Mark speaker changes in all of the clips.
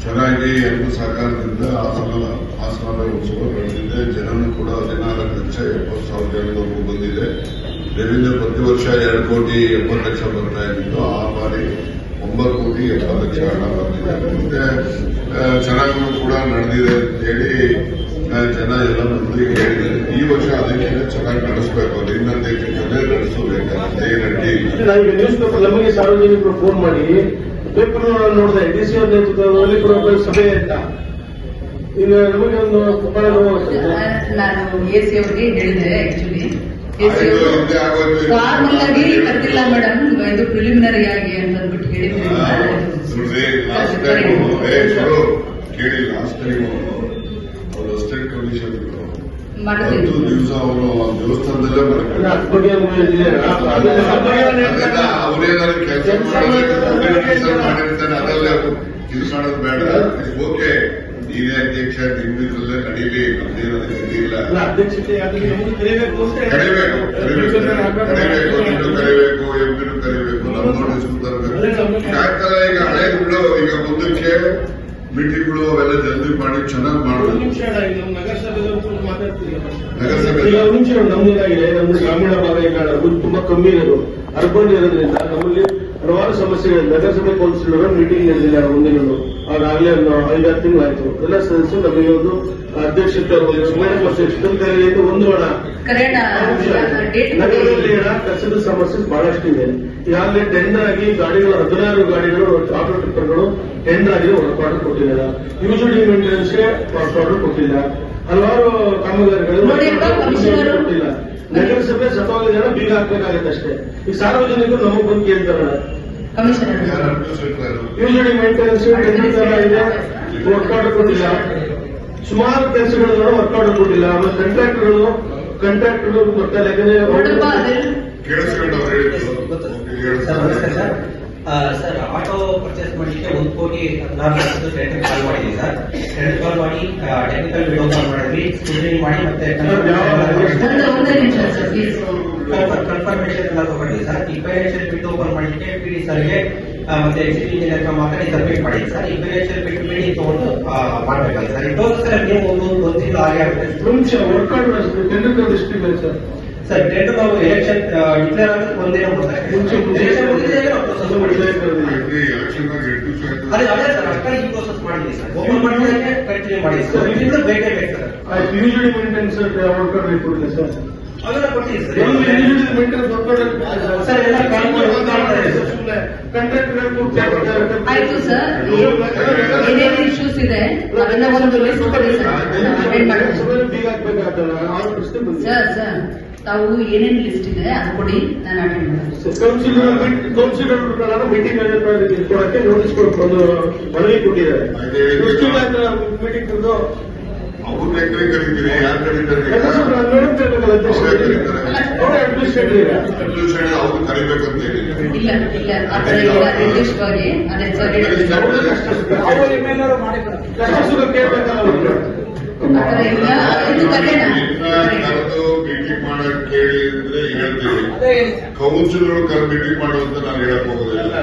Speaker 1: ಚೆನ್ನಾಗಿ ಎಲ್ಲರೂ ಸಹಕಾರದಿಂದ ಆಸನ ಉತ್ಸವ ನಡೆದಿದೆ. ಜನನು ಕೂಡ 14,70,000 ಜನವರೆಗೂ ಬಂದಿದೆ. ಇದರಿಂದ ಪ್ರತಿ ವರ್ಷ 2,70,00,000 ಬರ್ತಾ ಇದ್ದು ಆ ಬಾರಿ 9,70,00,000 ಹಣ ಬಂದಿದೆ. ಮತ್ತೆ ಚೆನ್ನಾಗೂ ಕೂಡ ನಡೆದಿದೆ ಅಂತ ಹೇಳಿ ಜನ ಎಲ್ಲ ಮಂದಿಗೆ ಹೇಳಿದ್ದಾರೆ. ಈ ವರ್ಷ ಅದಕ್ಕಿಂತ ಚೆನ್ನಾಗಿ ನಡೆಸಬೇಕು, ಇನ್ನೊಂದೇ ನಡೆಸಬೇಕಾಗುತ್ತೆ.
Speaker 2: ನ್ಯೂಸ್ ಪೇಪರ್ ನಮಗೆ ಸಾರ್ವಜನಿಕರು ಫೋನ್ ಮಾಡಿ ಪೇಪರ್ ನೋಡಿದೆ ಡಿಸಿ ಅವ್ರ ನೇತೃತ್ವದಲ್ಲಿ ಕೂಡ ಸಭೆ ಅಂತ ಈಗ ನಮಗೆ ಒಂದು ಬಹಳ
Speaker 3: ನಾನು ಎಸಿ ಅವರಿಗೆ ಹೇಳಿದೆ. ಆಕ್ಚುಲಿ ಫಾರ್ಮಲ್ ಆಗಿ ಕರೆದಿಲ್ಲ ಮೇಡಮ್, ಇದು ಪ್ರಿಲಿಮಿನರಿ ಆಗಿ ಅಂತ ಅಂದ್ಬಿಟ್ಟು ಹೇಳಿದ್ರಿ.
Speaker 1: ಕೇಳಿ ಲಾಸ್ಟ್ ಟೈಮ್ ಅವರು ಅಸಿಸ್ಟೆಂಟ್ ಕಮಿಷನರ್
Speaker 3: ಮಾಡ್ತೀನಿ
Speaker 1: ದಿವಸ ಅವರು ದೇವಸ್ಥಾನದಲ್ಲೇ ಅವರೇನಾದ್ರು ಕೆಲಸ ಮಾಡಿರ್ತಾನೆ, ಅದಲ್ಲೇ ಇದು ಮಾಡೋದು ಬೇಡ. ಓಕೆ, ನೀನೇ ಅಧ್ಯಕ್ಷ, ನಿಮ್ಮಿದ್ರಲ್ಲೇ ನಡೀಲಿ, ನಮ್ದೇನೋದು ಇಲ್ಲ. ಕರಿಬೇಕು, ನೀನು ಕರಿಬೇಕು, ಎಂಪಿನೂ ಕರಿಬೇಕು, ನಮ್ಮ ನೋಟಿಸ್ ತರಬೇಕು. ಯಾಕಂದ್ರೆ ಈಗ ಹಳೇದು ಬಿಡು, ಈಗ ಮುಂದಕ್ಕೆ ಮೀಟಿಂಗ್ಗಳು ಅವೆಲ್ಲ ಜಲ್ದಿ ಮಾಡಿ ಚೆನ್ನಾಗಿ ಮಾಡಬೇಕು.
Speaker 2: ನಮ್ದೇನಾಗಿದೆ, ನಮ್ದು ಗ್ರಾಮೀಣ ಭಾಗ ಈಗ ತುಂಬಾ ಕಮ್ಮಿ ಇರೋದು, ಅರ್ಬನ್ ಇರೋದ್ರಿಂದ ನಮ್ಮಲ್ಲಿ ಹಲವಾರು ಸಮಸ್ಯೆಗಳು. ನಗರಸಭೆ ಕೌನ್ಸಿಲರ್ ಮೀಟಿಂಗ್ ನಡೆದಿಲ್ಲ ಮುಂದಿನ, ಆಗಾಗಲೇ 5-6 ತಿಂಗಳಾಯ್ತು. ಎಲ್ಲ ಸದಸ್ಯರು ನಮಗೆ ಒಂದು ಅಧ್ಯಕ್ಷತೆ ಒಂದು ಹಣ ನಗರದಲ್ಲಿ ಕಸದ ಸಮಸ್ಯೆ ಬಹಳಷ್ಟಿದೆ. ಈಗಾಗಲೇ ಟೆಂಡರ್ ಆಗಿ ಗಾಡಿಗಳು 16 ಗಾಡಿಗಳು ಆಟೋ ಟಿಪ್ಪರ್ಗಳು ಟೆಂಡರ್ ಆಗಿ ವರ್ಕ್ ಆರ್ಡರ್ ಕೊಟ್ಟಿಲ್ಲ. ಯೂಶುವಲಿ ಮೇಂಟೆನೆನ್ಸ್ಗೆ ವರ್ಕ್ ಆರ್ಡರ್ ಕೊಟ್ಟಿಲ್ಲ. ಹಲವಾರು ಕಾಮಗಾರಿಗಳು ಕೊಟ್ಟಿಲ್ಲ. ನಗರಸಭೆ ಸತೋಗಿದ ಬೀಗ ಹಾಕಬೇಕಾಗುತ್ತೆ ಅಷ್ಟೇ. ಈ ಸಾರ್ವಜನಿಕರು ನಮಗ್ ಬಂದು ಕೇಳ್ತಾರಲ್ಲ, ಯೂಶುವಲಿ ಮೇಂಟೆನೆನ್ಸ್ ಟೆಂಡರ್ ಇದೆ, ವರ್ಕ್ ಆರ್ಡರ್ ಕೊಟ್ಟಿಲ್ಲ. ಸುಮಾರು ಕೆಲಸಗಳನ್ನು ವರ್ಕ್ ಆರ್ಡರ್ ಕೊಟ್ಟಿಲ್ಲ. ಆಮೇಲೆ ಕಾಂಟ್ರಾಕ್ಟರ್ಗಳು ಗೊತ್ತಲ್ಲ,
Speaker 4: ಸರ್ ಆಟೋ ಪರ್ಚೇಸ್ ಮಾಡಲಿಕ್ಕೆ 1,16,00,000 ಟೆಂಡರ್ ಕಾಲ್ ಮಾಡಿದ್ವಿ ಸರ್. ಟೆಂಡರ್ ಕಾಲ್ ಮಾಡಿ ಟೆಕ್ನಿಕಲ್ ವಿಡಿಯೋ ಕಾಲ್ ಮಾಡಿದ್ವಿ, ಸ್ಕ್ರೂಟಿನಿ ಮಾಡಿ ಮತ್ತೆ ಕನ್ಫರ್ಮೇಶನ್ ಎಲ್ಲ ತಗೊಂಡಿದ್ವಿ ಸರ್. ಈ ಫೈನಾನ್ಷಿಯಲ್ ಬಿಟ್ಟು ಓಪನ್ ಮಾಡಲಿಕ್ಕೆ PD ಸರ್ಗೆ ಮತ್ತೆ ಎಕ್ಸಿಕ್ಯೂಟಿವ್ ಇಂಜಿನಿಯರ್ ಮಾತಾಡಿ ಸಬ್ಮಿಟ್ ಮಾಡಿದ್ವಿ ಸರ್. ಈ ಫೈನಾನ್ಷಿಯಲ್ ಬಿಟ್ಟು ಮೀಟಿಂಗ್ ತಗೊಂಡು ಮಾಡಬೇಕಾಗಿ ಸರ್. ಇದು ಸರ್ ನೀವು ಒಂದು ತಿಂಗಳು ಆಗಿ ಆಗುತ್ತೆ ಸರ್. ಟೆಂಡರ್ ನಾವು ಎಲೆಕ್ಷನ್ ಡಿಕ್ಲೇರ್ ಆಗೋದು ಒಂದಿನ ಅದೇ ಸರ್. ಅಷ್ಟೇ ಈ ಪ್ರೋಸೆಸ್ ಮಾಡಿದ್ವಿ ಸರ್. ಓಪನ್ ಮಾಡೋದಕ್ಕೆ ಕಂಟಿನ್ಯೂ ಮಾಡಿದ್ವಿ ಸರ್. ಇದರಿಂದ ಬೇಕೇ ಬೇಕು sir.
Speaker 2: Usually maintenance work order ಕೊಟ್ಟಿಲ್ಲ ಸರ್.
Speaker 4: ಅದೆಲ್ಲ ಕೊಡ್ತೀವಿ ಸರ್.
Speaker 2: ಸರ್ ಎಲ್ಲ
Speaker 3: ಆಯ್ತು ಸರ್. ಏನೇನು ಇಶ್ಯೂಸ್ ಇದೆ ಅದನ್ನ ಒಂದು ಲಿಸ್ಟ್ ಕೊಡಿ ಸರ್. ಸರ್ ತಾವು ಏನೇನು ಲಿಸ್ಟ್ ಇದೆ ಅದು ಕೊಡಿ, ನಾನು ಅಟೆಂಡ್ ಮಾಡ್ತೀನಿ.
Speaker 2: ಕೌನ್ಸಿಲರ್ ಮೀಟಿಂಗ್ ಕೊಡಕ್ಕೆ ನೋಟಿಸ್ ಒಂದು ಮನವಿ ಕೊಟ್ಟಿದ್ದಾರೆ. ಮೀಟಿಂಗ್
Speaker 1: ಅವ್ರನ್ನ ಕರೀತೀರಿ, ಯಾರು ಕರೀತಾರೆ? ಅವ್ರು ಕರಿಬೇಕಂತ ಹೇಳಿ
Speaker 3: ಇಲ್ಲ ಇಲ್ಲ ಆತರ ಇಲ್ಲ. ನಿರ್ದಿಷ್ಟವಾಗಿ ಅದೇ ಸರ್ ಆತರ ಇಲ್ಲ. ಇದು ಕರೆಯೋಣ
Speaker 1: ಮೀಟಿಂಗ್ ಮಾಡಕ್ ಕೇಳಿ ಅಂದ್ರೆ ಹೇಳ್ತೀವಿ. ಕೌನ್ಸಿಲರ್ ಮೀಟಿಂಗ್ ಮಾಡುವಂತ ನಾನು ಹೇಳಕ್ ಹೋಗೋದಿಲ್ಲ.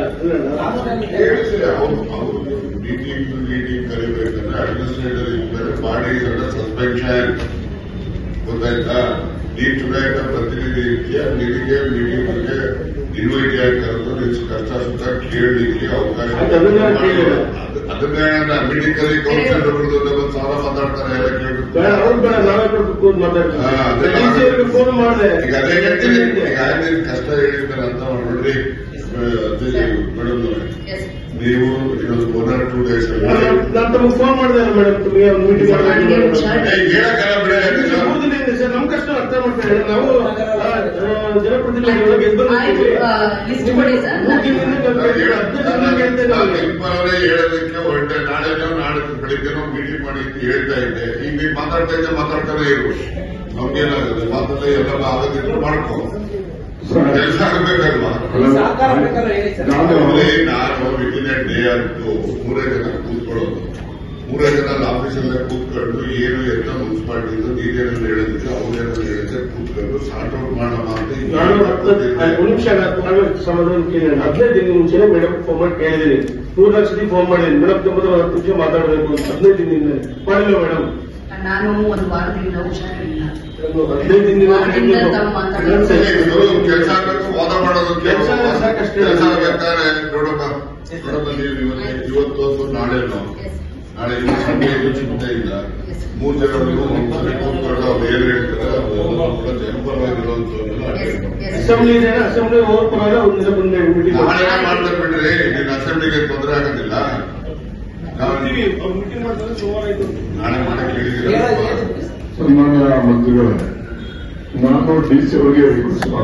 Speaker 1: ಮೀಟಿಂಗ್ ಕರಿಬೇಕಂದ್ರೆ ಅಡ್ಮಿನಿಸ್ಟ್ರೇಟರ್ ಇದ್ದಾರೆ, ಮಾಡಿ ಸಸ್ಪೆನ್ಷನ್ ಗೊತ್ತಾಯ್ತಾ. ಈ ಚುನಾಯಿತ ಪ್ರತಿನಿಧಿ ರೀತಿಯ ನಿನಗೆ ಮೀಟಿಂಗ್ಗೆ ಇನ್ವೈಟ್ ಆಗಿ ಕರೆದು ನಿನ್ ಕಷ್ಟ ಸುಖ ಕೇಳಲಿಕ್ಕೆ ಅವಕಾಶ. ಅದನ್ನೇ ಮೀಟಿಂಗ್ ಕರಿ ಕೌನ್ಸಿಲರ್ ಒಂದು ಸಾಲ ಮಾತಾಡ್ತಾರೆ, ಎಲ್ಲ ಕೇಳ್ತಾರೆ. ಈಗ ಅದೇ ಹೇಳ್ತೀನಿ, ಈಗ ನಿನ್ ಕಷ್ಟ ಹೇಳಿದ್ದಾರೆ ಅಂತ ನೋಡ್ರಿ ಮೇಡಮ್. ನೀವು ಇನ್ನೊಂದು 1 or 2 days
Speaker 2: ಫೋನ್ ಮಾಡಿದೆ ಮೇಡಮ್, ಮೀಟಿಂಗ್
Speaker 1: ಹೇಳಕ್ಕಲ್ಲ ಬಿಡ.
Speaker 2: ಸರ್ ನಮ್ ಕಷ್ಟ ಅರ್ಥ ಮಾಡ್ತಾರೆ. ನಾವು ಜನಪ್ರತಿನಿಧಿಗಳಿಗೆ
Speaker 1: ಹೇಳೋದಕ್ಕೆ ಹೊರಟೆ. ನಾಳೆ ಬೆಳಿಗ್ಗೆನೋ ಮೀಟಿಂಗ್ ಮಾಡಿ ಹೇಳ್ತಾ ಇದ್ದೆ. ಈಗ ನೀವು ಮಾತಾಡ್ತಾನೆ ಇರು. ನಮ್ಗೇನಾಗುತ್ತೆ ಮಾತಲ್ಲ, ಎಲ್ಲ ಆಗೋದಿದ್ರು ಮಾಡ್ಕೊ, ಕೆಲಸ ಆಗಬೇಕಲ್ವಾ. ನಾನು ವಿತಿನ್ ಡೇ ಅಂತೂ 3 ಜನ ಕೂತ್ಕೊಳ್ಳೋದು. ಮೂರೇ ಜನ ಅಲ್ಲಿ ಆಫೀಸಲ್ಲೇ ಕೂತ್ಕೊಂಡು ಏನು ಎತ್ತ ಮುನ್ಸಿಪಾಲಿಟಿದು ನೀರೇನು ಹೇಳಿದ್ರೆ ಅವ್ರೇನು ಹೇಳಿದ್ರೆ ಕೂತ್ಕೊಂಡು ಸಾರ್ಟ್ ಔಟ್ ಮಾಡೋಣ ಅಂತ
Speaker 2: ನಾನು ಒಂದು ನಿಮಿಷ ಸಮಾಧಾನ ಕೇಳಿ 15 ದಿನ ಮುಂಚೆನೆ ಮೇಡಮ್ ಫೋನ್ ಮಾಡಿ ಕೇಳಿದ್ದೀನಿ 3 ಲಕ್ಷ ಫೋನ್ ಮಾಡಿದ್ದೀನಿ ಮೇಡಮ್ ತುಂಬ 10 ನಿಮಿಷ ಮಾತಾಡಬೇಕು 15 ದಿನದಿಂದ ಮಾಡಿಲ್ಲ ಮೇಡಮ್.
Speaker 3: ನಾನು ಒಂದು ವಾರದಿಂದ ಹುಷಾರಿಲ್ಲ.
Speaker 2: 15 ದಿನದಿಂದ
Speaker 1: ಕೆಲಸ ಆಗಬೇಕು, ವಾದ ಮಾಡೋದಕ್ಕೆ
Speaker 2: ಕೆಲ್ಸ ಸಾಕಷ್ಟು ಇದೆ.
Speaker 1: ಕೆಲಸ ಬೇಕಾದ್ರೆ ನೋಡಪ್ಪ ನೀವು ಇವತ್ತು ನಾಳೆನೋ ನಾಳೆ ಇನ್ನು ಸಂಡೆ ಇದು ಚಿಂತೆ ಇಲ್ಲ. 3 ಜನ ನೀವು ಒಂದ್ಸರಿ ಕೂತ್ಕೊಂಡು ಅವ್ರು ಏನ್ ಹೇಳ್ತಾರೆ ಅದೆಲ್ಲ ಕೂಡ ಜನಪರವಾಗಿರುವಂತವನ್ನೆಲ್ಲ
Speaker 2: ಅಸೆಂಬ್ಲಿ ಇದೆ, ಅಸೆಂಬ್ಲಿ ಹೋಗ್ ಪರವಾಗಿಲ್ಲ ಒಂದ್ ದಿನ ಬಂದು ಮೀಟಿಂಗ್
Speaker 1: ನಾಳೆ ಮಾಡ್ತಾರೆ ಬಿಡ್ರಿ, ನೀನ್ ಅಸೆಂಬ್ಲಿಗೆ ತೊಂದರೆ ಆಗೋದಿಲ್ಲ. ನಾವು
Speaker 2: ಮೀಟಿಂಗ್ ಮಾಡ್ತಾರೆ ಸೋಮವಾರ ಇದು
Speaker 1: ನಾಳೆ ಮಾಡಕ್ಕೆ ಹೇಳಿದ್ದೀರಾ
Speaker 5: ಸನ್ಮಾನ್ಯ ಮಂತ್ರಿಗಳೇ, ನಾನು ಡಿಸಿ ಅವರಿಗೆ ರಿಕ್ವೆಸ್ಟ್